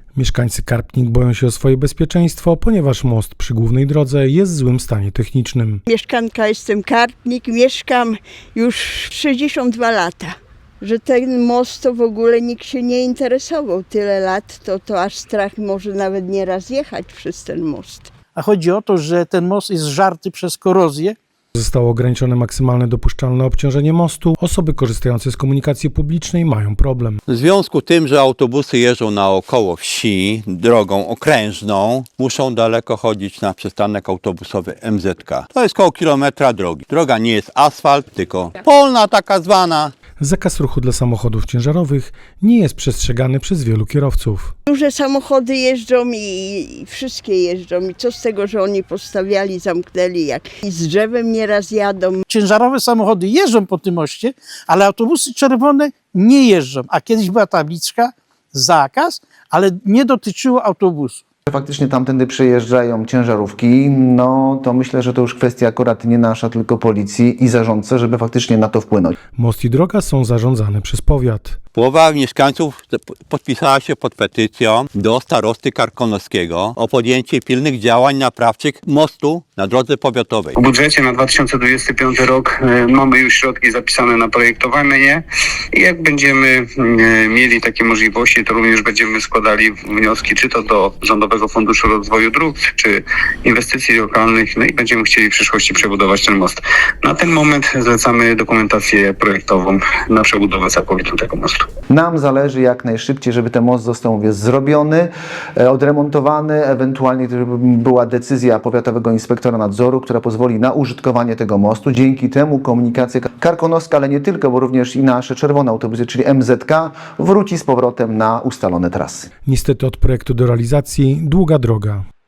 Mieszkańcy Karpnik boją się o swoje bezpieczeństwo, ponieważ most przy głównej drodze jest w złym stanie technicznym. Mieszkanka jestem Karpnik, mieszkam już 62 lata. Że ten most to w ogóle nikt się nie interesował. Tyle lat to aż strach może nawet nieraz jechać przez ten most. A chodzi o to, że ten most jest żarty przez korozję. Zostało ograniczone maksymalne dopuszczalne obciążenie mostu. Osoby korzystające z komunikacji publicznej mają problem. W związku z tym, że autobusy jeżdżą naokoło wsi drogą okrężną, muszą daleko chodzić na przystanek autobusowy MZK. To jest koło kilometra drogi. Droga nie jest asfalt, tylko polna taka zwana. Zakaz ruchu dla samochodów ciężarowych nie jest przestrzegany przez wielu kierowców. Duże samochody jeżdżą i wszystkie jeżdżą. I co z tego, że oni postawiali, zamknęli, jak i z drzewem nieraz jadą. Ciężarowe samochody jeżdżą po tym moście, ale autobusy czerwone nie jeżdżą. A kiedyś była tabliczka, zakaz, ale nie dotyczyło autobusu. Faktycznie tamtędy przejeżdżają ciężarówki, no to myślę, że to już kwestia akurat nie nasza, tylko policji i zarządcy, żeby faktycznie na to wpłynąć. Most i droga są zarządzane przez powiat. Połowa mieszkańców podpisała się pod petycją do starosty karkonoskiego o podjęcie pilnych działań naprawczych mostu na drodze powiatowej. W budżecie na 2025 rok mamy już środki zapisane na projektowanie i jak będziemy mieli takie możliwości, to również będziemy składali wnioski, czy to do Rządowego Funduszu Rozwoju Dróg, czy inwestycji lokalnych, no i będziemy chcieli w przyszłości przebudować ten most. Na ten moment zlecamy dokumentację projektową na przebudowę całkowitą tego mostu. Nam zależy jak najszybciej, żeby ten most został zrobiony, odremontowany, ewentualnie żeby była decyzja powiatowego inspektora nadzoru, która pozwoli na użytkowanie tego mostu. Dzięki temu komunikacja karkonoska, ale nie tylko, bo również i nasze czerwone autobusy, czyli MZK, wróci z powrotem na ustalone trasy. Niestety od projektu do realizacji długa droga.